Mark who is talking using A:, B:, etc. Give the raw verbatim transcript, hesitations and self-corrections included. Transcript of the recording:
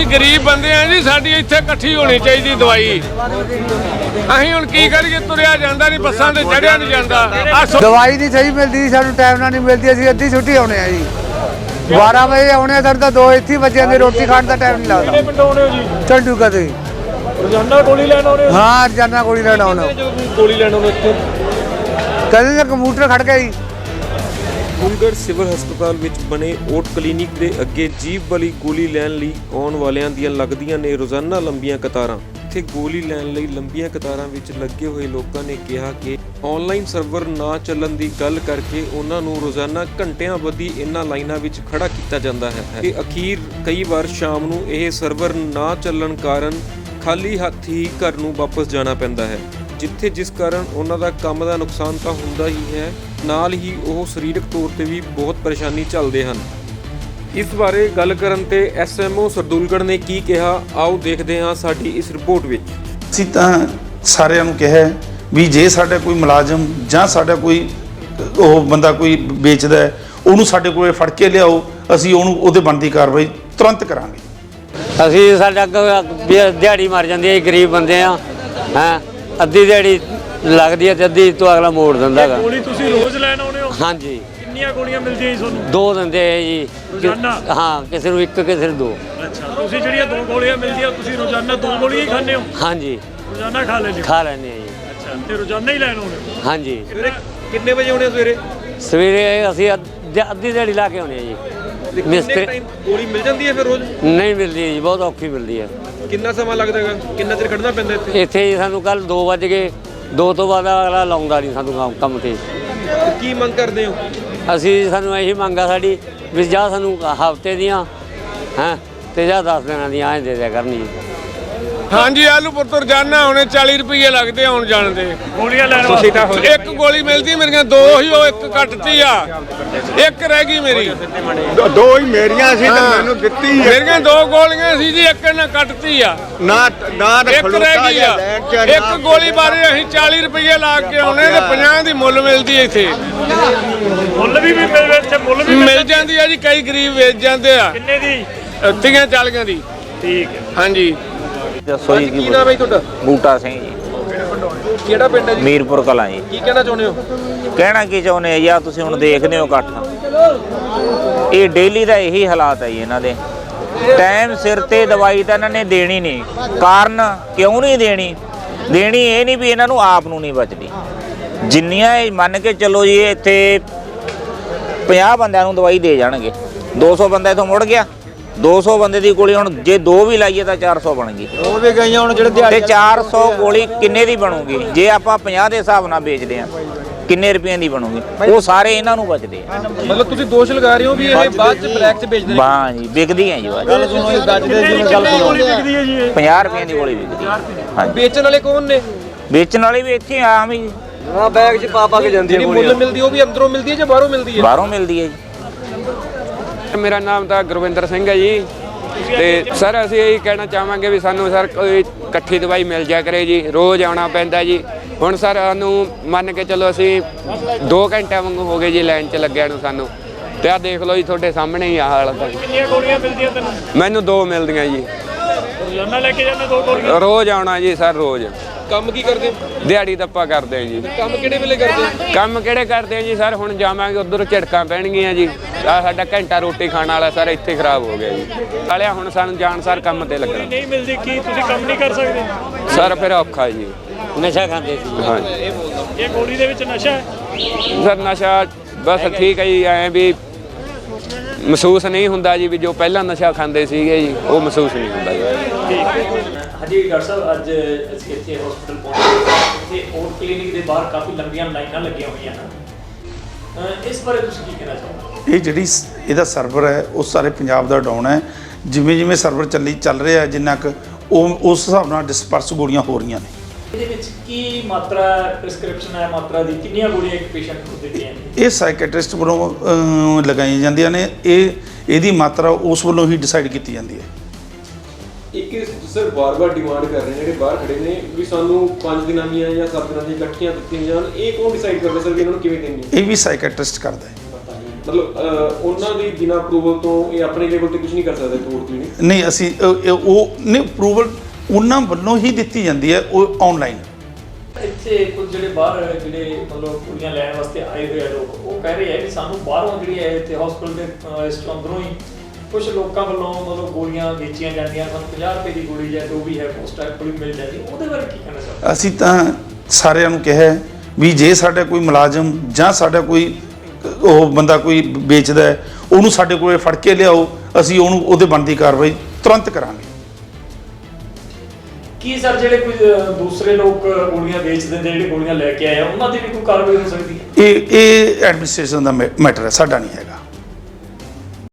A: गरीब बंदे हैं जी, साडी इत्थे इकट्ठी होनी चाहिए दवाई। असीं हुण की करिए, तुरिया जांदा नहीं, बसां ते चढ़िया नहीं जांदा।
B: दवाई नहीं सही मिलती, सानूं टाइम नाल नहीं मिलती। असीं अद्धी छुट्टी आउणे आ जी, बारह बजे आउणे, साडे तां दो इत्थे बच्चों की रोटी खाण दा टाइम नहीं लगदा। चंडूगढ़ ते
C: रोजाना गोली लैण आउणे?
B: हाँ, रोजाना गोली लैण आउणे।
C: गोली लैण आउणे इत्थे
B: कदे तां कंप्यूटर खड़ गया जी।
D: ਫੂਲਗੜ੍ਹ ਸਿਵਲ ਹਸਪਤਾਲ ਵਿੱਚ ਬਣੇ ਓਟ ਕਲੀਨਿਕ ਦੇ ਅੱਗੇ ਜੀਭ ਵਾਲੀ ਗੋਲੀ ਲੈਣ ਲਈ ਆਉਣ ਵਾਲਿਆਂ ਦੀਆਂ ਲੱਗਦੀਆਂ ਨੇ ਰੋਜ਼ਾਨਾ ਲੰਬੀਆਂ ਕਤਾਰਾਂ। ਇੱਥੇ ਗੋਲੀ ਲੈਣ ਲਈ ਲੰਬੀਆਂ ਕਤਾਰਾਂ ਵਿੱਚ ਲੱਗੇ ਹੋਏ ਲੋਕਾਂ ਨੇ ਕਿਹਾ ਕਿ ਆਨਲਾਈਨ ਸਰਵਰ ਨਾ ਚੱਲਣ ਦੀ ਗੱਲ ਕਰਕੇ ਉਹਨਾਂ ਨੂੰ ਰੋਜ਼ਾਨਾ ਘੰਟਿਆਂ ਬੱਧੀ ਇਹਨਾਂ ਲਾਈਨਾਂ ਵਿੱਚ ਖੜਾ ਕੀਤਾ ਜਾਂਦਾ ਹੈ ਤੇ ਅਖੀਰ ਕਈ ਵਾਰ ਸ਼ਾਮ ਨੂੰ ਇਹ ਸਰਵਰ ਨਾ ਚੱਲਣ ਕਾਰਨ ਖਾਲੀ ਹੱਥ ਹੀ ਘਰ ਨੂੰ ਵਾਪਸ ਜਾਣਾ ਪੈਂਦਾ ਹੈ, ਜਿੱਥੇ ਜਿਸ ਕਾਰਨ ਉਹਨਾਂ ਦਾ ਕੰਮ ਦਾ ਨੁਕਸਾਨ ਤਾਂ ਹੁੰਦਾ ਹੀ ਹੈ, ਨਾਲ ਹੀ ਉਹ ਸਰੀਰਕ ਤੌਰ ਤੇ ਵੀ ਬਹੁਤ ਪਰੇਸ਼ਾਨੀ ਝੱਲਦੇ ਹਨ। ਇਸ ਬਾਰੇ ਗੱਲ ਕਰਨ ਤੇ ਐਸ ਐਮ ਓ ਸਰਦੂਲਗੜ੍ਹ ਨੇ ਕੀ ਕਿਹਾ, ਆਓ ਦੇਖਦੇ ਹਾਂ ਸਾਡੀ ਇਸ ਰਿਪੋਰਟ ਵਿੱਚ।
E: ਅਸੀਂ ਤਾਂ ਸਾਰਿਆਂ ਨੂੰ ਕਿਹਾ ਵੀ ਜੇ ਸਾਡਾ ਕੋਈ ਮੁਲਾਜ਼ਮ ਜਾਂ ਸਾਡਾ ਕੋਈ ਉਹ ਬੰਦਾ ਕੋਈ ਵੇਚਦਾ ਉਹਨੂੰ ਸਾਡੇ ਕੋਲੇ ਫੜ ਕੇ ਲਿਆਓ, ਅਸੀਂ ਉਹਨੂੰ ਉਹਦੇ ਬਣਦੀ ਕਾਰਵਾਈ ਤੁਰੰਤ ਕਰਾਂਗੇ।
F: ਅਸੀਂ ਸਾਡਾ ਦਿਹਾੜੀ ਮਰ ਜਾਂਦੀ ਹੈ, ਗਰੀਬ ਬੰਦੇ ਆ ਹੈਂ, ਅੱਧੀ ਦਿਹਾੜੀ ਲੱਗਦੀ ਹੈ ਤੇ ਅੱਧੀ ਤੋਂ ਅਗਲਾ ਮੋੜ ਦਿੰਦਾ ਹੈਗਾ।
C: ਗੋਲੀ ਤੁਸੀਂ ਰੋਜ਼ ਲੈਣ ਆਉਣੇ ਹੋ?
F: ਹਾਂਜੀ।
C: ਕਿੰਨੀਆਂ ਗੋਲੀਆਂ ਮਿਲਦੀਆਂ ਜੀ ਤੁਹਾਨੂੰ?
F: ਦੋ ਦਿੰਦੇ ਆ ਜੀ
C: ਰੋਜ਼ਾਨਾ?
F: ਹਾਂ, ਕਿਸੇ ਨੂੰ ਇੱਕ, ਕਿਸੇ ਨੂੰ ਦੋ।
C: ਅੱਛਾ, ਤੁਸੀਂ ਜਿਹੜੀਆਂ ਦੋ ਗੋਲੀਆਂ ਮਿਲਦੀਆਂ ਤੁਸੀਂ ਰੋਜ਼ਾਨਾ ਦੋ ਗੋਲੀਆਂ ਹੀ ਖਾਂਦੇ ਹੋ?
F: ਹਾਂਜੀ,
C: ਰੋਜ਼ਾਨਾ ਖਾ ਲੈਂਦੇ ਹੋ?
F: ਖਾ ਲੈਂਦੇ ਆ ਜੀ।
C: ਅੱਛਾ, ਤੇ ਰੋਜ਼ਾਨਾ ਹੀ ਲੈਣ ਆਉਣੇ ਹੋ?
F: ਹਾਂਜੀ।
D: ਕਿੰਨੇ ਵਜੇ ਆਉਣੇ ਸਵੇਰੇ?
F: ਸਵੇਰੇ ਅਸੀਂ ਅੱਧੀ ਦਿਹਾੜੀ ਲਾ ਕੇ ਆਉਂਦੇ ਆ ਜੀ। ਮਿਸਤਰੀ
D: ਗੋਲੀ ਮਿਲ ਜਾਂਦੀ ਹੈ ਫਿਰ ਰੋਜ਼?
F: ਨਹੀਂ ਮਿਲਦੀ ਜੀ, ਬਹੁਤ ਔਖੀ ਮਿਲਦੀ ਹੈ।
D: ਕਿੰਨਾ ਸਮਾਂ ਲੱਗਦਾ ਹੈਗਾ, ਕਿੰਨਾ ਚਿਰ ਖੜਨਾ ਪੈਂਦਾ ਇੱਥੇ?
F: ਇੱਥੇ ਜੀ ਸਾਨੂੰ ਕੱਲ ਦੋ ਵੱਜ ਗਏ, ਦੋ ਤੋਂ ਬਾਅਦ ਅਗਲਾ ਲਾਉਂਦਾ ਨਹੀਂ ਸਾਨੂੰ ਕੰਮ ਤੇ।
D: ਕੀ ਮੰਗ ਕਰਦੇ ਹੋ?
F: ਅਸੀਂ ਸਾਨੂੰ ਇਹੀ ਮੰਗਾ ਸਾਡੀ ਵੀ ਜਾਂ ਸਾਨੂੰ ਹਫ਼ਤੇ ਦੀਆਂ ਹੈਂ ਤੇ ਜਾਂ ਦਸ ਦਿਨਾਂ ਦੀਆਂ ਐਂ ਦੇ ਦਿਆ ਕਰਨੀ।
A: हाँ जी, आलूपुर तो रोजाना आने चाली रुपये लगते आने जाने दे।
C: ਗੋਲੀਆਂ ਲੈਣ ਵਾਸਤੇ
A: एक गोली मिलती मेरिया दो ही, वो एक कटती आ, एक रह गई मेरी।
G: दो ही मेरियां सी ते मैनू दित्ती है।
A: मेरिया दो गोलियां सी जी, एक ने कटती आ,
G: ना ना
A: एक रह गई आ। एक गोली बारे असीं चाली रुपये ला के आने ते पचास दी मुੱਲ मिलती है इत्थे।
C: ਮੁੱਲ ਵੀ ਮਿਲ ਇੱਥੇ ਮੁੱਲ ਵੀ
A: मिल जाती है जी, कई गरीब वेच जाते आ।
C: ਕਿੰਨੇ ਦੀ?
A: तीह चालियां दी।
C: ਠੀਕ ਹੈ।
A: हाँ जी।
D: ਦੱਸੋ ਜੀ ਕੀ ਨਾਮ ਹੈ ਤੁਹਾਡਾ?
H: ਬੂਟਾ ਸਿੰਘ ਜੀ,
D: ਕਿਹੜਾ ਪਿੰਡ ਹੈ ਜੀ?
H: ਮੀਰਪੁਰ ਕਲਾਂ ਜੀ।
D: ਕੀ ਕਹਿਣਾ ਚਾਹੁੰਦੇ ਹੋ?
H: ਕਹਿਣਾ ਕੀ ਚਾਹੁੰਦੇ ਆ ਜੀ, ਆਹ ਤੁਸੀਂ ਹੁਣ ਦੇਖਦੇ ਹੋ ਇਕੱਠ, ਇਹ ਡੇਲੀ ਦਾ ਇਹੀ ਹਾਲਾਤ ਹੈ ਜੀ ਇਹਨਾਂ ਦੇ। ਟਾਈਮ ਸਿਰ ਤੇ ਦਵਾਈ ਤਾਂ ਇਹਨਾਂ ਨੇ ਦੇਣੀ ਨਹੀਂ, ਕਾਰਨ ਕਿਉਂ ਨਹੀਂ ਦੇਣੀ? ਦੇਣੀ ਇਹ ਨਹੀਂ ਵੀ ਇਹਨਾਂ ਨੂੰ ਆਪ ਨੂੰ ਨਹੀਂ ਬਚਦੀ। ਜਿੰਨੀਆਂ ਇਹ ਮੰਨ ਕੇ ਚੱਲੋ ਜੀ, ਇੱਥੇ ਪੰਜਾਹ ਬੰਦਿਆਂ ਨੂੰ ਦਵਾਈ ਦੇ ਜਾਣਗੇ, ਦੋ ਸੌ ਬੰਦਾ ਇੱਥੋਂ ਮੁੜ ਗਿਆ, ਦੋ ਸੌ ਬੰਦੇ ਦੀ ਗੋਲੀ ਹੁਣ ਜੇ ਦੋ ਵੀ ਲਾਈਏ ਤਾਂ ਚਾਰ ਸੌ ਬਣ ਗਈ।
B: ਉਹ ਵੀ ਗਈਆਂ ਹੁਣ ਜਿਹੜੇ
H: ਤੇ ਚਾਰ ਸੌ ਗੋਲੀ ਕਿੰਨੇ ਦੀ ਬਣੂਗੀ? ਜੇ ਆਪਾਂ ਪੰਜਾਹ ਦੇ ਹਿਸਾਬ ਨਾਲ ਵੇਚਦੇ ਆ ਕਿੰਨੇ ਰੁਪਏ ਦੀ ਬਣੂਗੀ? ਉਹ ਸਾਰੇ ਇਹਨਾਂ ਨੂੰ ਬਚਦੇ ਆ।
D: ਮਤਲਬ ਤੁਸੀਂ ਦੋਸ਼ ਲਗਾ ਰਹੇ ਹੋ ਵੀ ਇਹ ਬਾਅਦ ਚ ਬਲੈਕ ਚ ਵੇਚਦੇ ਨੇ?
H: ਹਾਂ ਜੀ, ਵਿਕਦੀ ਹੈ ਜੀ ਬਾਅਦ।
C: ਗੱਲ ਸੁਣੋ ਜੀ, ਗੱਜਦੇ ਜੀ ਗੱਲ ਸੁਣੋ। ਗੋਲੀ ਵਿਕਦੀ ਹੈ ਜੀ ਇਹ?
H: ਪੰਜਾਹ ਰੁਪਏ ਦੀ ਗੋਲੀ ਵਿਕਦੀ ਹੈ। ਹਾਂਜੀ।
D: ਵੇਚਣ ਵਾਲੇ ਕੌਣ ਨੇ?
H: ਵੇਚਣ ਵਾਲੇ ਵੀ ਇੱਥੇ ਆਮ ਹੀ
B: ਹਾਂ, ਬੈਗ 'ਚ ਪਾ ਪਾ ਕੇ ਜਾਂਦੀ
D: ਜਿਹੜੀ ਮੁੱਲ ਮਿਲਦੀ ਉਹ ਵੀ ਅੰਦਰੋਂ ਮਿਲਦੀ ਹੈ ਜਾਂ ਬਾਹਰੋਂ ਮਿਲਦੀ ਹੈ?
H: ਬਾਹਰੋਂ ਮਿਲਦੀ ਹੈ ਜੀ।
I: ਮੇਰਾ ਨਾਮ ਤਾਂ ਗੁਰਵਿੰਦਰ ਸਿੰਘ ਹੈ ਜੀ, ਤੇ ਸਰ ਅਸੀਂ ਇਹੀ ਕਹਿਣਾ ਚਾਹਾਂਗੇ ਵੀ ਸਾਨੂੰ ਸਰ ਕੋਈ ਇਕੱਠੀ ਦਵਾਈ ਮਿਲ ਜਾ ਕਰੇ ਜੀ। ਰੋਜ਼ ਆਉਣਾ ਪੈਂਦਾ ਜੀ। ਹੁਣ ਸਰ ਸਾਨੂੰ ਮੰਨ ਕੇ ਚਲੋ ਅਸੀਂ ਦੋ ਘੰਟਿਆਂ ਵਾਂਗੂ ਹੋ ਗਏ ਜੀ ਲਾਈਨ 'ਚ ਲੱਗਿਆ ਨੂੰ ਸਾਨੂੰ, ਤੇ ਆਹ ਦੇਖ ਲਓ ਜੀ ਤੁਹਾਡੇ ਸਾਹਮਣੇ ਹੀ ਆ ਹਾਲਤ ਹੈ।
C: ਕਿੰਨੀਆਂ ਗੋਲੀਆਂ ਮਿਲਦੀਆਂ ਤੈਨੂੰ?
I: ਮੈਨੂੰ ਦੋ ਮਿਲਦੀਆਂ ਜੀ।
C: ਰੋਜ਼ਾਨਾ ਲੈ ਕੇ ਜਾਂਦੇ ਦੋ ਗੋਲੀਆਂ?
I: ਰੋਜ਼ ਆਉਣਾ ਜੀ ਸਰ, ਰੋਜ਼।
D: ਕੰਮ ਕੀ ਕਰਦੇ?
I: ਦਿਹਾੜੀ ਦੱਪਾ ਕਰਦੇ ਆ ਜੀ।
D: ਕੰਮ ਕਿਹੜੇ ਵੇਲੇ ਕਰਦੇ?
I: ਕੰਮ ਕਿਹੜੇ ਕਰਦੇ ਆ ਜੀ ਸਰ? ਹੁਣ ਜਾਵਾਂਗੇ ਉੱਧਰ ਝਟਕਾਂ ਪੈਣਗੀਆਂ ਜੀ। ਆ ਸਾਡਾ ਘੰਟਾ ਰੋਟੀ ਖਾਣ ਵਾਲਾ ਸਰ ਇੱਥੇ ਖਰਾਬ ਹੋ ਗਿਆ ਜੀ। ਵਾਲਿਆ ਹੁਣ ਸਾਨੂੰ ਜਾਣ ਸਰ ਕੰਮ ਤੇ ਲੱਗਣਾ
C: ਨਹੀਂ ਮਿਲਦੀ, ਕੀ ਤੁਸੀਂ ਕੰਮ ਨਹੀਂ ਕਰ ਸਕਦੇ?
I: ਸਰ ਫਿਰ ਔਖਾ ਜੀ।
F: ਨਸ਼ਾ ਖਾਂਦੇ ਸੀ।
I: ਹਾਂ,
C: ਇਹ ਗੋਲੀ ਦੇ ਵਿੱਚ ਨਸ਼ਾ ਹੈ?
I: ਸਰ ਨਸ਼ਾ ਬਸ ਠੀਕ ਹੈ ਜੀ, ਐਂ ਵੀ ਮਹਿਸੂਸ ਨਹੀਂ ਹੁੰਦਾ ਜੀ ਵੀ ਜੋ ਪਹਿਲਾਂ ਨਸ਼ਾ ਖਾਂਦੇ ਸੀਗੇ ਜੀ ਉਹ ਮਹਿਸੂਸ ਨਹੀਂ ਹੁੰਦਾ ਜੀ।
C: ਹਾਂਜੀ ਡਾਕਟਰ ਸਾਹਿਬ, ਅੱਜ ਅਸੀਂ ਇੱਥੇ ਹਸਪੀਟਲ ਪਹੁੰਚੇ। ਇੱਥੇ ਓਟ ਕਲੀਨਿਕ ਦੇ ਬਾਹਰ ਕਾਫੀ ਲੰਬੀਆਂ ਲਾਈਨਾਂ ਲੱਗੀਆਂ ਹੋਈਆਂ ਹਨ, ਇਸ ਬਾਰੇ ਤੁਸੀਂ ਕੀ ਕਹਿਣਾ ਚਾਹੋਗੇ?
E: ਇਹ ਜਿਹੜੀ ਇਹਦਾ ਸਰਵਰ ਹੈ ਉਹ ਸਾਰੇ ਪੰਜਾਬ ਦਾ ਡਾਊਨ ਹੈ। ਜਿਵੇਂ ਜਿਵੇਂ ਸਰਵਰ ਚੱਲੀ ਚੱਲ ਰਿਹਾ ਜਿੰਨਾ ਕੁ ਉਹ ਉਸ ਹਿਸਾਬ ਨਾਲ ਡਿਸਪਰਸ ਗੋਲੀਆਂ ਹੋ ਰਹੀਆਂ ਨੇ।
C: ਇਹਦੇ ਵਿੱਚ ਕੀ ਮਾਤਰਾ ਪ੍ਰਿਸਕ੍ਰਿਪਸ਼ਨ ਹੈ, ਮਾਤਰਾ ਦੀ ਕਿੰਨੀਆਂ ਗੋਲੀਆਂ ਇੱਕ ਪੇਸ਼ੈਂਟ ਨੂੰ ਦਿੱਤੀਆਂ ਨੇ?
E: ਇਹ ਸਾਈਕੈਟ੍ਰਿਸਟ ਵੱਲੋਂ ਲਗਾਈਆਂ ਜਾਂਦੀਆਂ ਨੇ। ਇਹ ਇਹਦੀ ਮਾਤਰਾ ਉਸ ਵੱਲੋਂ ਹੀ ਡਿਸਾਈਡ ਕੀਤੀ ਜਾਂਦੀ ਹੈ।
D: ਇੱਕ ਸਰ ਬਾਰ-ਬਾਰ ਡਿਮਾਂਡ ਕਰ ਰਹੇ ਨੇ ਜਿਹੜੇ ਬਾਹਰ ਖੜੇ ਨੇ ਵੀ ਸਾਨੂੰ ਪੰਜ ਦਿਨਾਂ ਦੀਆਂ ਜਾਂ ਸੱਤ ਦਿਨਾਂ ਦੀਆਂ ਇਕੱਠੀਆਂ ਦਿੱਤੀਆਂ ਜਾਣ, ਇਹ ਕੌਣ ਡਿਸਾਈਡ ਕਰਦਾ ਸਰ ਵੀ ਇਹਨਾਂ ਨੂੰ ਕਿਵੇਂ ਦੇਣੀ?
E: ਇਹ ਵੀ ਸਾਈਕੈਟ੍ਰਿਸਟ ਕਰਦਾ ਹੈ।
D: ਮਤਲਬ ਅਹ, ਉਹਨਾਂ ਦੀ ਬਿਨਾਂ ਅਪਰੂਵਲ ਤੋਂ ਇਹ ਆਪਣੇ ਲੈਵਲ ਤੇ ਕੁਝ ਨਹੀਂ ਕਰ ਸਕਦੇ ਓਟ ਕਲੀਨਿਕ?
E: ਨਹੀਂ ਅਸੀਂ ਅ, ਇਹ ਉਹ ਨਹੀਂ ਅਪਰੂਵਲ ਉਹਨਾਂ ਵੱਲੋਂ ਹੀ ਦਿੱਤੀ ਜਾਂਦੀ ਹੈ, ਉਹ ਆਨਲਾਈਨ।
C: ਇੱਥੇ ਕੁਝ ਜਿਹੜੇ ਬਾਹਰ ਜਿਹੜੇ ਮਤਲਬ ਕੁੜੀਆਂ ਲੈਣ ਵਾਸਤੇ ਆਏ ਹੋਏ ਆ ਲੋਕ, ਉਹ ਕਹਿ ਰਹੇ ਆ ਕਿ ਸਾਨੂੰ ਬਾਹਰੋਂ ਜਿਹੜੀ ਹੈ ਇੱਥੇ ਹਸਪੀਟਲ ਦੇ ਅਹ, ਇਸ ਤੋਂ ਅੰਦਰੋਂ ਹੀ ਕੁਝ ਲੋਕਾਂ ਵੱਲੋਂ ਮਤਲਬ ਗੋਲੀਆਂ ਵੇਚੀਆਂ ਜਾਂਦੀਆਂ, ਸਾਨੂੰ ਪੰਜਾਹ ਰੁਪਏ ਦੀ ਗੋਲੀ ਜਾਂ ਜੋ ਵੀ ਹੈ ਪੋਸਟ ਗੋਲੀ ਮਿਲ ਜਾਂਦੀ, ਉਹਦੇ ਬਾਰੇ ਕੀ ਕਹਿਣਾ ਚਾਹੁੰਦੇ?
E: ਅਸੀਂ ਤਾਂ ਸਾਰਿਆਂ ਨੂੰ ਕਿਹਾ ਹੈ ਵੀ ਜੇ ਸਾਡਾ ਕੋਈ ਮੁਲਾਜ਼ਮ ਜਾਂ ਸਾਡਾ ਕੋਈ ਉਹ ਬੰਦਾ ਕੋਈ ਵੇਚਦਾ ਹੈ, ਉਹਨੂੰ ਸਾਡੇ ਕੋਲੇ ਫੜ ਕੇ ਲਿਆਓ, ਅਸੀਂ ਉਹਨੂੰ ਉਹਦੇ ਬਣਦੀ ਕਾਰਵਾਈ ਤੁਰੰਤ ਕਰਾਂਗੇ।
C: ਕੀ ਸਰ ਜਿਹੜੇ ਕੋਈ ਅਹ, ਦੂਸਰੇ ਲੋਕ ਗੋਲੀਆਂ ਵੇਚ ਦਿੰਦੇ, ਜਿਹੜੇ ਗੋਲੀਆਂ ਲੈ ਕੇ ਆਏ ਆ, ਉਹਨਾਂ ਦੀ ਵੀ ਕੋਈ ਕਾਰਵਾਈ ਹੋ ਸਕਦੀ ਹੈ?
E: ਇਹ ਇਹ ਐਡਮਿਨਿਸਟ੍ਰੇਸ਼ਨ ਦਾ ਮੈਟਰ ਹੈ, ਸਾਡਾ ਨਹੀਂ ਹੈਗਾ।